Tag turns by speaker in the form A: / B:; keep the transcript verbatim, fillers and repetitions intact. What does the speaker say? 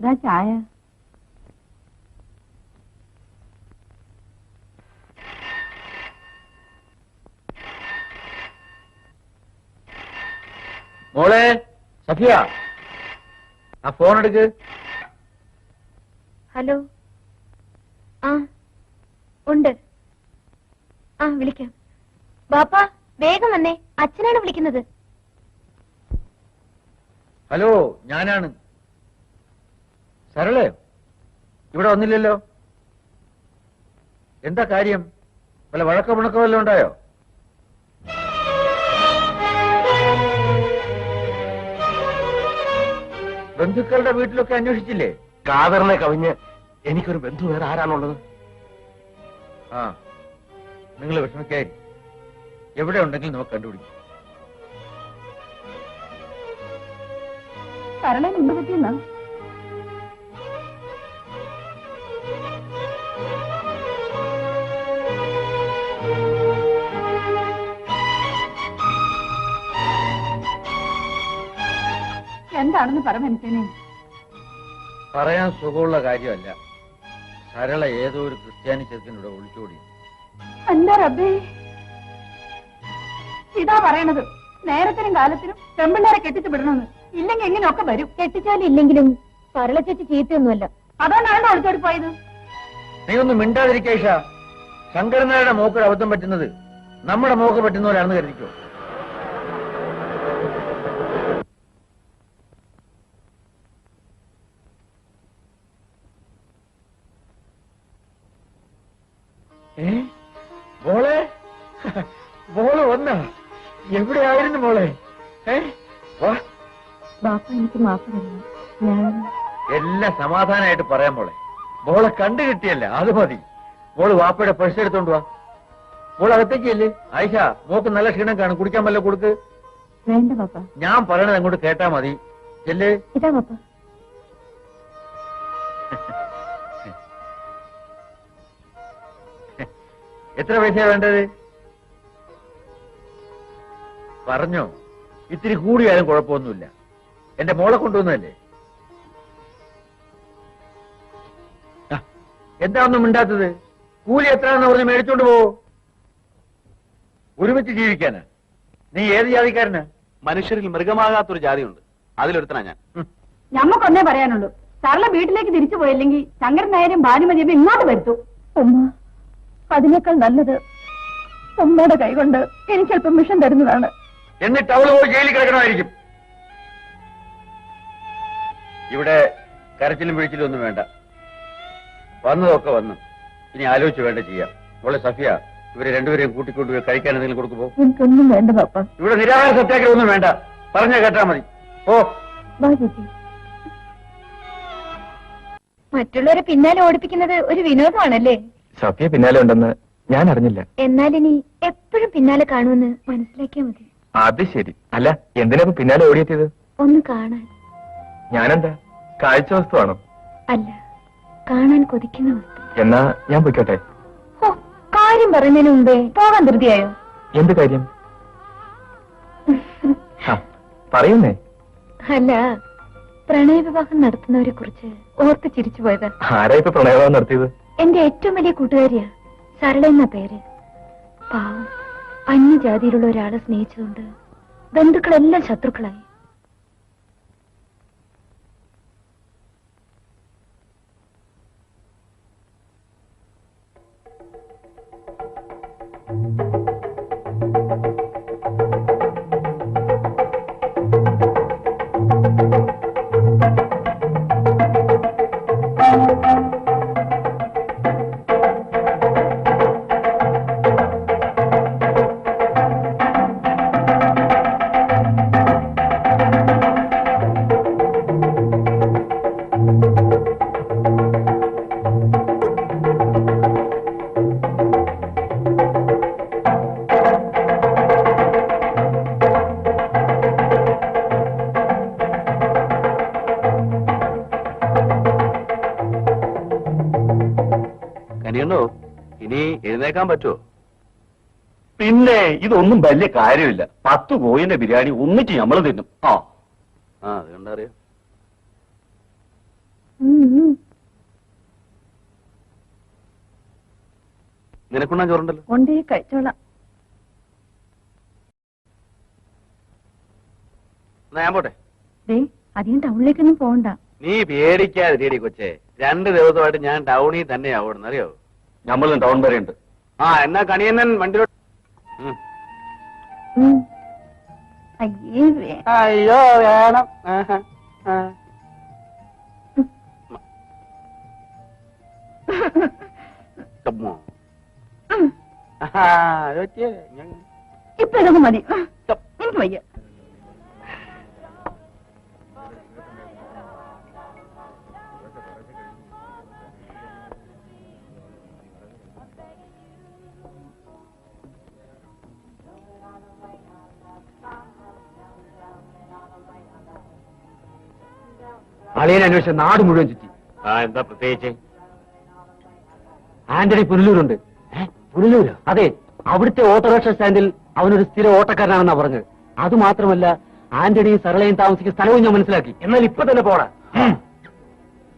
A: ചായ.
B: മോളെ സഫിയ, ആ ഫോൺ എടുക്ക്.
C: ഹലോ. ആ ഉണ്ട്. ആ വിളിക്കാം. ബാപ്പ വേഗം വന്നേ, അച്ഛനാണ് വിളിക്കുന്നത്.
B: ഹലോ, ഞാനാണ്. സരളയോ? ഇവിടെ വന്നില്ലല്ലോ. എന്താ കാര്യം? വല്ല വഴക്കോ പിണക്കോ വല്ലതും ഉണ്ടായോ? ബന്ധുക്കളുടെ വീട്ടിലൊക്കെ അന്വേഷിച്ചില്ലേ?
D: കാതറിനെ കവിഞ്ഞ് എനിക്കൊരു ബന്ധു വേറെ ആരാണുള്ളത്?
B: ആ, നിങ്ങൾ വിഷമിക്കായി. എവിടെ ഉണ്ടെങ്കിലും നമുക്ക് കണ്ടുപിടിക്കും.
A: സരളൻ എന്ത് പറ്റിയെന്നാ? എന്താണെന്ന് പറ മനസ്സിനെ.
B: പറയാൻ സുഖമുള്ള കാര്യമല്ല. സരള ഏതോ ഒരു ക്രിസ്ത്യാനി ചെറുക്കനൂടെ ഒളിച്ചോടി.
A: എന്താ റബ്ബേ ഇതാ പറയണത്? നേരത്തിനും കാലത്തിനും പെമ്പിള്ളേരെ കെട്ടിച്ചു വിടണമെന്ന്. ഇല്ലെങ്കിൽ എങ്ങനെയൊക്കെ വരും.
C: കെട്ടിച്ചാലും ഇല്ലെങ്കിലും സരള ചേച്ചി ചീത്തയൊന്നുമല്ല.
A: അതുകൊണ്ടാണ് ഒളിച്ചോടി പോയത്.
B: നീ ഒന്നും മിണ്ടാതിരിക്കേഷ. ശങ്കരനായുടെ മോക്കൊരു അബദ്ധം പറ്റുന്നത് നമ്മുടെ മോക്ക് പറ്റുന്ന പോലെയാണെന്ന് കരുതിക്കോ. ഏ മോളെ, മോള് വന്ന എവിടെയായിരുന്നു മോളെ? ഏ വാ.
A: ബാപ്പ എനിക്ക് മാപ്പ് തരണം. ഞാൻ
B: എല്ലാം സമാധാനമായിട്ട് പറയാം മോളെ. മോളെ കണ്ടു കിട്ടിയല്ല, അത് മതി. മോള് വാപ്പയുടെ പൈസ എടുത്തോണ്ട് വാ. മോൾ അകത്തേക്കല്ലേ? ആയിഷ, മോക്ക് നല്ല ക്ഷീണം കാണും, കുടിക്കാൻ വല്ല കൊടുക്ക്.
A: വേണ്ട ബാപ്പ.
B: ഞാൻ പറയണത് അങ്ങോട്ട് കേട്ടാ മതി. ചെല്ലേ.
A: ഇതാ ബാപ്പ.
B: എത്ര പൈസയാ വേണ്ടത്? പറഞ്ഞോ. ഇത്തിരി കൂടിയാലും കുഴപ്പമൊന്നുമില്ല. എന്റെ മോളെ കൊണ്ടുവന്നതല്ലേ. എന്താ ഒന്നും മിണ്ടാത്തത്? കൂലി എത്രയാണെന്ന് പറഞ്ഞ് മേടിച്ചോണ്ട് പോവോ? ഒരുമിച്ച് ജീവിക്കാനാ? നീ ഏത് ജാതിക്കാരനാ?
D: മനുഷ്യരിൽ മൃഗമാകാത്തൊരു ജാതിയുണ്ട്, അതിലൊരുത്തനാ ഞാൻ.
A: ഞമ്മക്കൊന്നേ പറയാനുള്ളൂ. സരള വീട്ടിലേക്ക് തിരിച്ചു പോയില്ലെങ്കിൽ ശങ്കരൻ നായരും ഭാനുമതിയും ഇങ്ങോട്ട് വരുത്തു. ഉമ്മ, അതിനേക്കാൾ നല്ലത് ഉമ്മയുടെ കൈകൊണ്ട് എനിക്ക് അല്പം മിഷൻ തരുന്നതാണ്.
B: എന്നിട്ട് അവള് പോയി ജയിലിൽ കിടക്കണമായിരിക്കും. ഇവിടെ കരച്ചിലും പിഴിച്ചിലും ഒന്നും വേണ്ട. വന്നതൊക്കെ വന്നു. ഇനി ആലോചിച്ച് വേണ്ട ചെയ്യാം. മോളെ സഫിയ, ഇവരെ രണ്ടുപേരെയും കൂട്ടിക്കൊണ്ടുപോയി കഴിക്കാൻ എന്തെങ്കിലും കൊടുക്കുമ്പോ.
A: എനിക്കൊന്നും വേണ്ട പാപ്പ.
B: ഇവിടെ നിരാഹാര സത്യാഗ്രഹം ഒന്നും വേണ്ട. പറഞ്ഞാ കേട്ടാ മതി. ഓ
C: മറ്റുള്ളവരെ പിന്നാലെ ഓടിപ്പിക്കുന്നത് ഒരു വിനോദമാണല്ലേ?
D: സഫിയ പിന്നാലെ ഉണ്ടെന്ന് ഞാൻ അറിഞ്ഞില്ല.
C: എന്നാൽ ഇനി എപ്പോഴും പിന്നാലെ കാണുമെന്ന് മനസ്സിലാക്കിയാൽ മതി.
D: അത് ശരി. അല്ല, എന്തിനാ പിന്നാലെ ഓടിയെത്തിയത്?
C: ഒന്ന് കാണാൻ.
D: ഞാനെന്താ കാഴ്ച വസ്തുവാണോ?
C: അല്ല, കാണാൻ കൊതിക്കുന്ന വസ്തു.
D: എന്നാ ഞാൻ പൊയ്ക്കോട്ടെ.
C: ഓ, കാര്യം പറയുന്നതിന് മുമ്പേ പോകാൻ ധൃതിയായോ?
D: എന്ത് കാര്യം? പറയുന്നേ.
C: അല്ല, പ്രണയവിവാഹം നടത്തുന്നവരെ കുറിച്ച് ഓർത്ത് ചിരിച്ചു പോയത്.
D: ആരാ ഇപ്പൊ പ്രണയവിവാഹം നടത്തിയത്?
C: എന്റെ ഏറ്റവും വലിയ കൂട്ടുകാരിയാ, സരള എന്ന പേര്. പാവം, അന്യജാതിയിലുള്ള ഒരാളെ സ്നേഹിച്ചതുകൊണ്ട് ബന്ധുക്കളെല്ലാം ശത്രുക്കളായി.
D: ഇനി എഴുന്നേക്കാൻ പറ്റുമോ? പിന്നെ ഇതൊന്നും വലിയ കാര്യമില്ല. പത്ത് കോയിന്റെ ബിരിയാണി ഒന്നിച്ച് നമ്മൾ തിന്നും. ആ ആ അത് കണ്ടറിയാം. നിനക്കുണ്ണാൻ ചോറുണ്ടല്ലോ.
A: കൊണ്ടേ കഴിച്ചോളാം.
D: എന്നാ ഞാൻ പോട്ടെ.
A: ദേ അധികം ടൗണിലേക്കൊന്നും പോകണ്ട.
D: നീ പേടിക്കാതിരിയടി കൊച്ചേ. രണ്ട് ദിവസമായിട്ട് ഞാൻ ടൗണിൽ തന്നെയാ ഓടുന്നത്, അറിയോ?
B: നമ്മളും ടൗൺ വരെ ഉണ്ട്.
D: ആ എന്നാ കണിയന്നൻ വണ്ടിയിലോട്ട്. ഉം.
A: ഉം. അയ്യേ വേ-
D: അയ്യോ വേണം. ആഹാ. ആ. ചമ്മോ. ആഹാ, അത് പറ്റിയേ. ഞാൻ-
A: ഇപ്പൊ ഇതൊക്കെ മതി. എനിക്ക് വയ്യ.
B: അളിയനെ അന്വേഷിച്ച നാട് മുഴുവൻ ചുറ്റി.
D: ആ എന്താ പ്രത്യേകിച്ച്?
B: ആന്റണി പുനലൂരുണ്ട്. പുനലൂര്? അതെ, അവിടുത്തെ ഓട്ടോറിക്ഷ സ്റ്റാൻഡിൽ അവനൊരു സ്ഥിര ഓട്ടക്കാരനാണെന്നാ പറഞ്ഞത്. അത് മാത്രമല്ല ആന്റണിയും സരളയും താമസിക്കുന്ന സ്ഥലവും ഞാൻ മനസ്സിലാക്കി.
D: എന്നാൽ ഇപ്പൊ തന്നെ പോടാ.